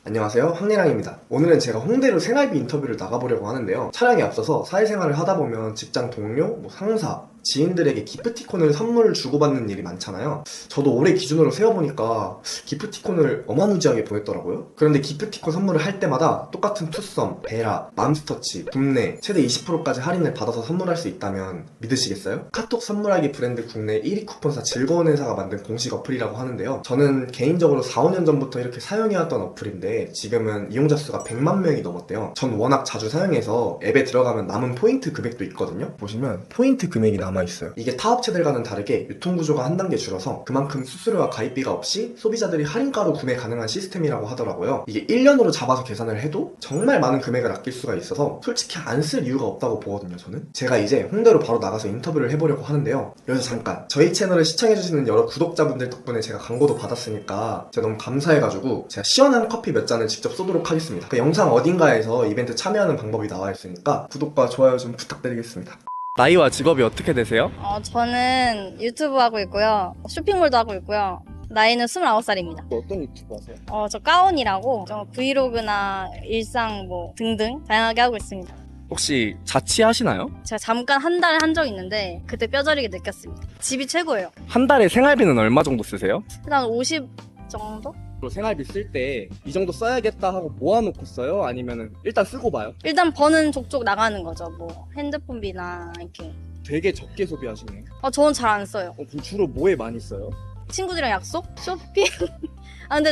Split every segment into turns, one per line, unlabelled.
안녕하세요, 황리랑입니다. 오늘은 제가 홍대로 생활비 인터뷰를 나가보려고 하는데요. 촬영에 앞서서 사회생활을 하다 보면 직장 동료, 상사, 지인들에게 기프티콘을 선물을 주고받는 일이 많잖아요. 저도 올해 기준으로 세어보니까 기프티콘을 어마무지하게 보냈더라고요. 그런데 기프티콘 선물을 할 때마다 똑같은 투썸, 베라, 맘스터치, 굽네 최대 20%까지 할인을 받아서 선물할 수 있다면 믿으시겠어요? 카톡 선물하기 브랜드 국내 1위 쿠폰사 즐거운 회사가 만든 공식 어플이라고 하는데요. 저는 개인적으로 4, 5년 전부터 이렇게 사용해왔던 어플인데 지금은 이용자 수가 100만 명이 넘었대요. 전 워낙 자주 사용해서 앱에 들어가면 남은 포인트 금액도 있거든요. 보시면 포인트 금액이 남아있어요. 이게 타 업체들과는 다르게 유통구조가 한 단계 줄어서 그만큼 수수료와 가입비가 없이 소비자들이 할인가로 구매 가능한 시스템이라고 하더라고요. 이게 1년으로 잡아서 계산을 해도 정말 많은 금액을 아낄 수가 있어서 솔직히 안 쓸 이유가 없다고 보거든요, 저는. 제가 이제 홍대로 바로 나가서 인터뷰를 해보려고 하는데요. 여기서 잠깐, 저희 채널을 시청해주시는 여러 구독자분들 덕분에 제가 광고도 받았으니까 제가 너무 감사해가지고 제가 시원한 커피 몇 잔을 직접 쏘도록 하겠습니다. 그 영상 어딘가에서 이벤트 참여하는 방법이 나와 있으니까 구독과 좋아요 좀 부탁드리겠습니다. 나이와 직업이 어떻게 되세요?
저는 유튜브 하고 있고요. 쇼핑몰도 하고 있고요. 나이는 29살입니다.
어떤 유튜브 하세요?
저 가온이라고 브이로그나 일상 등등 다양하게 하고 있습니다.
혹시 자취하시나요?
제가 잠깐 한 달에 한 적 있는데 그때 뼈저리게 느꼈습니다. 집이 최고예요.
한 달에 생활비는 얼마 정도 쓰세요?
일단 50 정도?
생활비 쓸 때 이 정도 써야겠다 하고 모아놓고 써요? 아니면 일단 쓰고 봐요?
일단 버는 족족 나가는 거죠. 핸드폰비나 이렇게.
되게 적게 소비하시네요.
저는 잘 안 써요.
그럼 주로 뭐에 많이 써요?
친구들이랑 약속? 쇼핑? 근데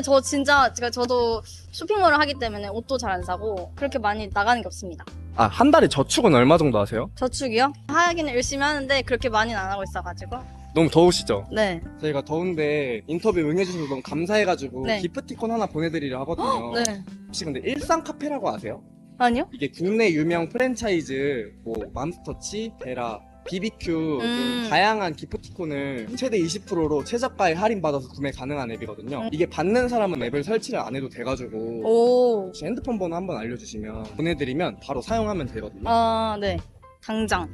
저도 쇼핑몰을 하기 때문에 옷도 잘 안 사고 그렇게 많이 나가는 게 없습니다.
한 달에 저축은 얼마 정도 하세요?
저축이요? 하기는 열심히 하는데 그렇게 많이는 안 하고 있어가지고.
너무 더우시죠?
네.
저희가 더운데 인터뷰 응해주셔서 너무 감사해가지고
네.
기프티콘 하나 보내드리려 하거든요.
네.
혹시 근데 일상 카페라고 아세요?
아니요?
이게 국내 유명 프랜차이즈 맘스터치, 베라, BBQ 등 다양한 기프티콘을 최대 20%로 최저가에 할인받아서 구매 가능한 앱이거든요. 이게 받는 사람은 앱을 설치를 안 해도 돼가지고
오.
혹시 핸드폰 번호 한번 알려주시면 보내드리면 바로 사용하면 되거든요.
네. 당장.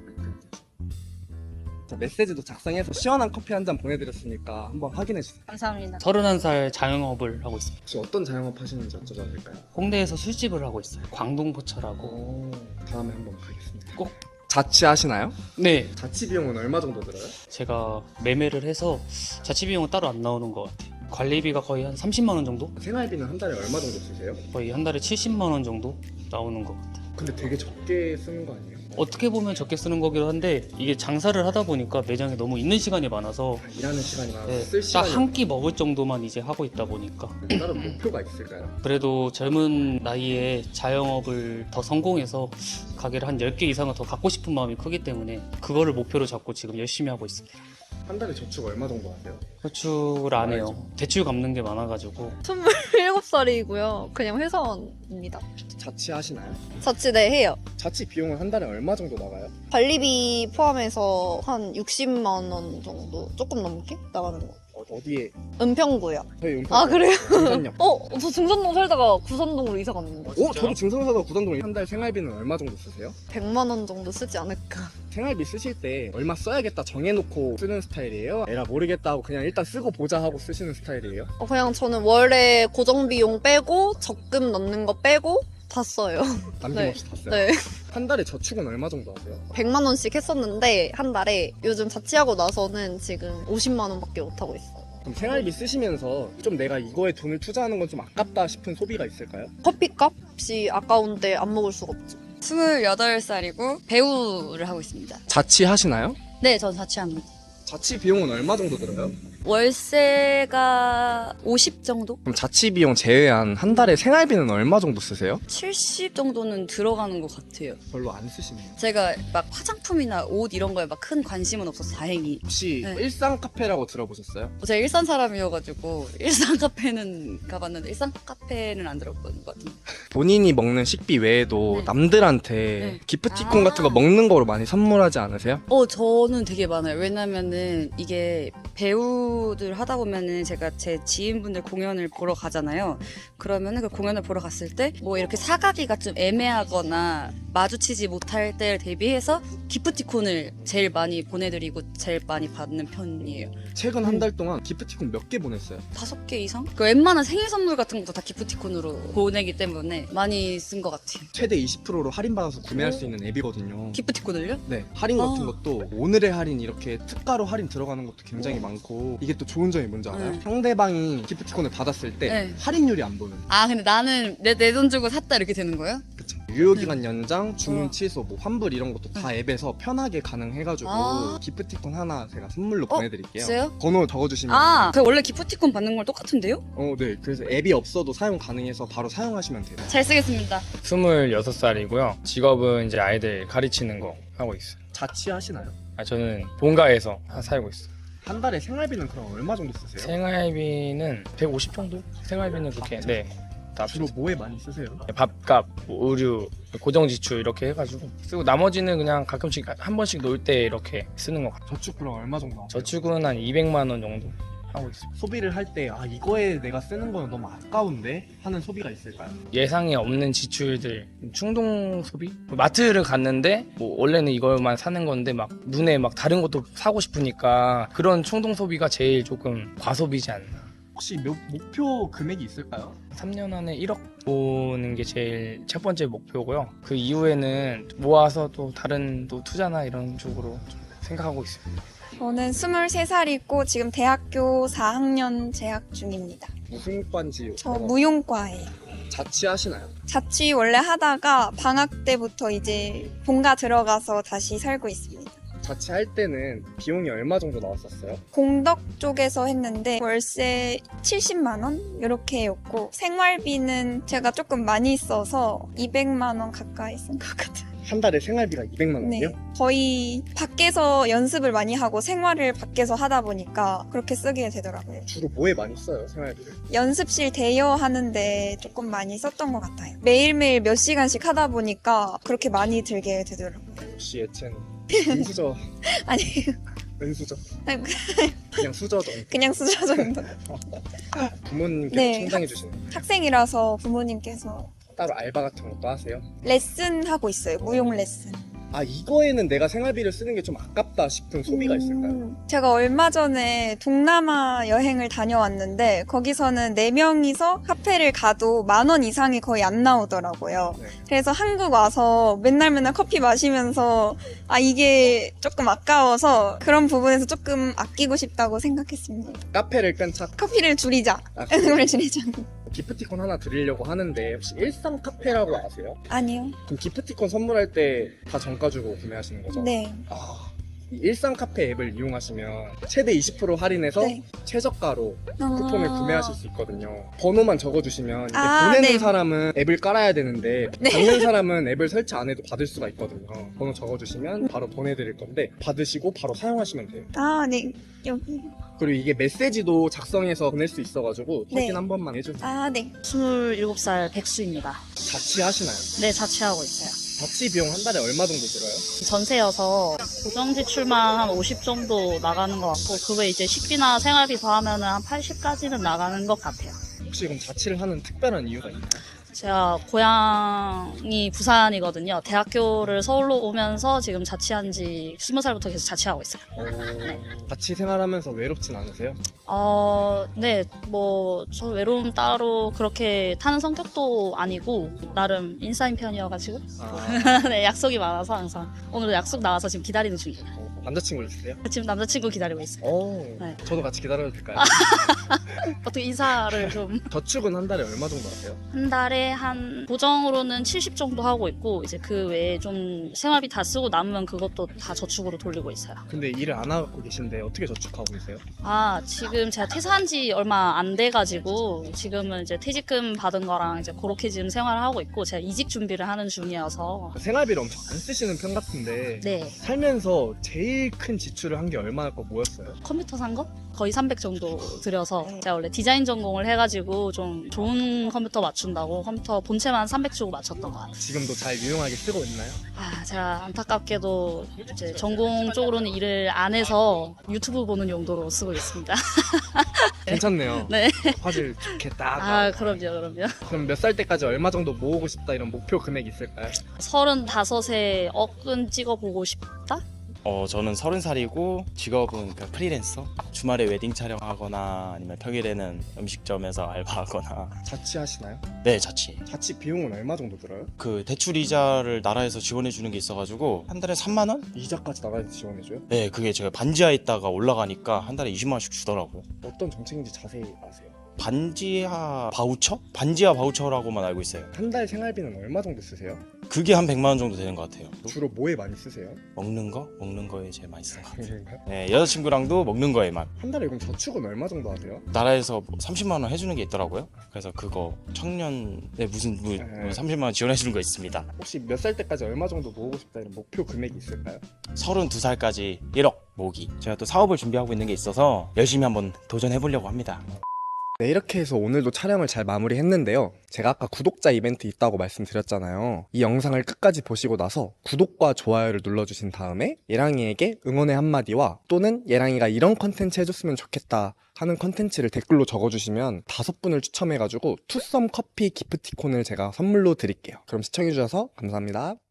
자, 메시지도 작성해서 시원한 커피 한 잔 보내드렸으니까 한번 확인해주세요.
감사합니다.
31살 자영업을 하고 있습니다.
혹시 어떤 자영업 하시는지 여쭤봐도 될까요?
홍대에서 술집을 하고 있어요. 광동포차라고.
오, 다음에 한번 가겠습니다.
꼭.
자취하시나요?
네,
자취 비용은 얼마 정도 들어요?
제가 매매를 해서 자취 비용은 따로 안 나오는 것 같아요. 관리비가 거의 한 30만 원 정도?
생활비는 한 달에 얼마 정도 쓰세요?
거의 한 달에 70만 원 정도 나오는 것 같아요.
근데 되게 적게 쓰는 거 아니에요?
어떻게 보면 적게 쓰는 거긴 한데 이게 장사를 하다 보니까 매장에 너무 있는 시간이 많아서
일하는 시간이 많아서
네,
쓸
딱
시간이
한 끼 먹을 정도만 이제 하고 있다 보니까
다른 목표가 있을까요?
그래도 젊은 나이에 자영업을 더 성공해서 가게를 한 10개 이상은 더 갖고 싶은 마음이 크기 때문에 그거를 목표로 잡고 지금 열심히 하고 있습니다.
한 달에 저축 얼마 정도 하세요?
저축을 안 해요. 대출 갚는 게 많아가지고
27살이고요. 그냥 회사원입니다.
자취하시나요?
자취 네 해요.
자취 비용은 한 달에 얼마 정도 나가요?
관리비 포함해서 한 60만 원 정도 조금 넘게 나가는 거.
어디에?
은평구요.
저희 은평.
아 그래요?
중산역.
저 증산동 살다가 구산동으로 이사 갔는데
저도 증산사가 구산동 한 달 생활비는 얼마 정도 쓰세요?
100만 원 정도 쓰지 않을까.
생활비 쓰실 때 얼마 써야겠다 정해놓고 쓰는 스타일이에요? 에라 모르겠다 하고 그냥 일단 쓰고 보자 하고 쓰시는 스타일이에요?
그냥 저는 월에 고정 비용 빼고 적금 넣는 거 빼고 다 써요.
남김없이 다 써요?
네.
한 달에 저축은 얼마 정도 하세요?
100만 원씩 했었는데 한 달에 요즘 자취하고 나서는 지금 50만 원밖에 못 하고 있어요.
그럼 생활비 쓰시면서 좀 내가 이거에 돈을 투자하는 건 좀 아깝다 싶은 소비가 있을까요?
커피값이 아까운데 안 먹을 수가 없죠.
28살이고 배우를 하고 있습니다.
자취하시나요?
네, 전 자취합니다.
자취 비용은 얼마 정도 들어요?
월세가 50 정도?
그럼 자취 비용 제외한 한 달에 생활비는 얼마 정도 쓰세요?
70 정도는 들어가는 것 같아요.
별로 안 쓰시네요.
제가 막 화장품이나 옷 이런 거에 막 큰 관심은 없어서 다행히.
혹시
네.
일상 카페라고 들어보셨어요?
제가 일산 사람이어가지고 일산 카페는 가봤는데 일산 카페는 안 들어본 것 같은데.
본인이 먹는 식비 외에도
네.
남들한테
네.
기프티콘 같은 거 먹는 거로 많이 선물하지 않으세요?
저는 되게 많아요. 왜냐면은 이게 배우 배우들 하다 보면은 제가 제 지인분들 공연을 보러 가잖아요. 그러면은 그 공연을 보러 갔을 때 뭐 이렇게 사가기가 좀 애매하거나 마주치지 못할 때를 대비해서 기프티콘을 제일 많이 보내드리고 제일 많이 받는 편이에요.
최근 한 달 동안 기프티콘 몇 개 보냈어요?
5개 이상? 그 웬만한 생일 선물 같은 것도 다 기프티콘으로 보내기 때문에 많이 쓴 것 같아요.
최대 20%로 할인받아서 구매할 수 있는 앱이거든요.
기프티콘을요?
네, 할인 같은 것도 오늘의 할인 이렇게 특가로 할인 들어가는 것도 굉장히 많고 이게 또 좋은 점이 뭔지 알아요?
네.
상대방이 기프티콘을 받았을 때
네.
할인율이 안 보여요.
아 근데 나는 내 돈 주고 샀다 이렇게 되는 거예요?
그쵸. 유효기간 연장, 주문 취소, 뭐 환불 이런 것도 다 앱에서 편하게 가능해가지고
아.
기프티콘 하나 제가 선물로 보내드릴게요.
진짜요?
번호 적어주시면
아, 그 원래 기프티콘 받는 걸 똑같은데요?
네. 그래서 앱이 없어도 사용 가능해서 바로 사용하시면 돼요.
잘 쓰겠습니다.
26살이고요. 직업은 이제 아이들 가르치는 거 하고 있어요.
자취하시나요?
저는 본가에서 살고 있어요.
한 달에 생활비는 그럼 얼마 정도 쓰세요?
생활비는 150 정도? 생활비는 그렇게 다
주로 뭐에 많이 쓰세요?
밥값, 뭐 의류, 고정 지출 이렇게 해가지고 쓰고 나머지는 그냥 가끔씩 한 번씩 놀 때 이렇게 쓰는 것 같아요.
저축 그럼 얼마 정도 하세요?
저축은 한 200만 원 정도 하고 있어요.
소비를 할 때 이거에 내가 쓰는 거는 너무 아까운데 하는 소비가 있을까요?
예상에 없는 지출들, 충동 소비? 마트를 갔는데 뭐 원래는 이걸만 사는 건데 막 눈에 막 다른 것도 사고 싶으니까 그런 충동 소비가 제일 조금 과소비지 않나.
혹시 목표 금액이 있을까요?
3년 안에 1억 모으는 게 제일 첫 번째 목표고요. 그 이후에는 모아서 또 다른 또 투자나 이런 쪽으로 좀 생각하고 있습니다.
저는 23살이고 지금 대학교 4학년 재학 중입니다.
무슨 과인지
저 무용과예요.
자취하시나요?
자취 원래 하다가 방학 때부터 이제 본가 들어가서 다시 살고 있습니다.
자취할 때는 비용이 얼마 정도 나왔었어요?
공덕 쪽에서 했는데 월세 70만 원 이렇게였고 생활비는 제가 조금 많이 써서 200만 원 가까이 쓴 것 같아요.
한 달에 생활비가 200만 원이요?
네, 거의 밖에서 연습을 많이 하고 생활을 밖에서 하다 보니까 그렇게 쓰게 되더라고요.
주로 뭐에 많이 써요, 생활비를?
연습실 대여하는데 조금 많이 썼던 것 같아요. 매일매일 몇 시간씩 하다 보니까 그렇게 많이 들게 되더라고요.
혹시 예체는 은수저,
아니,
은수저, 그냥 수저 정도.
그냥 수저 정도.
부모님께서
네.
충당해 주시는 거.
학생이라서 부모님께서
따로 알바 같은 것도 하세요?
레슨 하고 있어요. 무용 레슨.
이거에는 내가 생활비를 쓰는 게 좀 아깝다 싶은 소비가 있을까요?
제가 얼마 전에 동남아 여행을 다녀왔는데 거기서는 4명이서 카페를 가도 10,000원 이상이 거의 안 나오더라고요.
네.
그래서 한국 와서 맨날 커피 마시면서 이게 조금 아까워서 그런 부분에서 조금 아끼고 싶다고 생각했습니다.
카페를 끈 차.
커피를 줄이자.
아,
그걸 줄이자.
기프티콘 하나 드리려고 하는데 혹시 일상 카페라고 아세요?
아니요.
그럼 기프티콘 선물할 때 다 정가 주고 구매하시는 거죠?
네.
이 일상 카페 앱을 이용하시면 최대 20% 할인해서
네.
최저가로 쿠폰을 구매하실 수 있거든요. 번호만 적어주시면 이제
아,
보내는
네.
사람은 앱을 깔아야 되는데
네.
받는 사람은 앱을 설치 안 해도 받을 수가 있거든요. 번호 적어주시면 바로 보내드릴 건데 받으시고 바로 사용하시면 돼요.
네. 여기.
그리고 이게 메시지도 작성해서 보낼 수 있어가지고
네.
확인 한 번만 해주세요.
네.
27살 백수입니다.
자취하시나요?
네, 자취하고 있어요.
자취 비용 한 달에 얼마 정도 들어요?
전세여서 고정 지출만 한 50 정도 나가는 것 같고 그 외에 이제 식비나 생활비 더하면 한 80까지는 나가는 것 같아요.
혹시 그럼 자취를 하는 특별한 이유가 있나요?
제가 고향이 부산이거든요. 대학교를 서울로 오면서 지금 자취한 지 20살부터 계속 자취하고 있어요.
자취 생활하면서 외롭진 않으세요?
네, 저 외로움 따로 그렇게 타는 성격도 아니고 나름 인싸인 편이어가지고 네, 약속이 많아서 항상 오늘도 약속 나와서 지금 기다리는 중이에요.
남자친구 있으세요?
지금 남자친구 기다리고 있어요. 네.
저도 같이 기다려도 될까요?
어떻게 인사를 좀
저축은 한 달에 얼마 정도 하세요?
한 달에 한 고정으로는 70 정도 하고 있고 이제 그 외에 좀 생활비 다 쓰고 남으면 그것도 다 저축으로 돌리고 있어요.
근데 일을 안 하고 계신데 어떻게 저축하고 계세요?
지금 제가 퇴사한 지 얼마 안 돼가지고 지금은 이제 퇴직금 받은 거랑 이제 그렇게 지금 생활을 하고 있고 제가 이직 준비를 하는 중이어서
생활비를 엄청 안 쓰시는 편 같은데
네,
살면서 제일 큰 지출을 한 게 얼마나 거 뭐였어요?
컴퓨터 산 거? 거의 300 정도 들여서 제가 원래 디자인 전공을 해가지고 좀 좋은 컴퓨터 맞춘다고 컴퓨터 본체만 300 주고 맞췄던 것 같아요.
지금도 잘 유용하게 쓰고 있나요?
제가 안타깝게도 이제 전공 쪽으로는 일을 안 해서 유튜브 보는 용도로 쓰고 있습니다.
괜찮네요.
네.
화질 좋겠다.
그럼요.
그럼 몇 살 때까지 얼마 정도 모으고 싶다 이런 목표 금액 있을까요?
35에 억은 찍어보고 싶다?
저는 30살이고 직업은 그 프리랜서. 주말에 웨딩 촬영하거나 아니면 평일에는 음식점에서 알바하거나.
자취하시나요?
네, 자취.
자취 비용은 얼마 정도 들어요?
그 대출 이자를 나라에서 지원해 주는 게 있어가지고 한 달에 3만 원?
이자까지 나라에서 지원해줘요?
네, 그게 제가 반지하에 있다가 올라가니까 한 달에 20만 원씩 주더라고요.
어떤 정책인지 자세히 아세요?
반지하 바우처? 반지하 바우처라고만 알고 있어요.
한 달 생활비는 얼마 정도 쓰세요?
그게 한 100만 원 정도 되는 것 같아요.
주로 뭐에 많이 쓰세요?
먹는 거? 먹는 거에 제일 많이 쓰는 것 같아요.
그런가요?
네, 여자친구랑도 먹는 거에만.
한 달에 그럼 저축은 얼마 정도 하세요?
나라에서 30만 원 해주는 게 있더라고요. 그래서 그거 청년에 무슨 30만 원 지원해 주는 거 있습니다.
혹시 몇 살 때까지 얼마 정도 모으고 싶다 이런 목표 금액이 있을까요?
32살까지 1억 모으기. 제가 또 사업을 준비하고 있는 게 있어서 열심히 한번 도전해 보려고 합니다.
네, 이렇게 해서 오늘도 촬영을 잘 마무리했는데요. 제가 아까 구독자 이벤트 있다고 말씀드렸잖아요. 이 영상을 끝까지 보시고 나서 구독과 좋아요를 눌러주신 다음에 예랑이에게 응원의 한마디와 또는 예랑이가 이런 컨텐츠 해줬으면 좋겠다 하는 컨텐츠를 댓글로 적어주시면 5분을 추첨해가지고 투썸 커피 기프티콘을 제가 선물로 드릴게요. 그럼 시청해주셔서 감사합니다.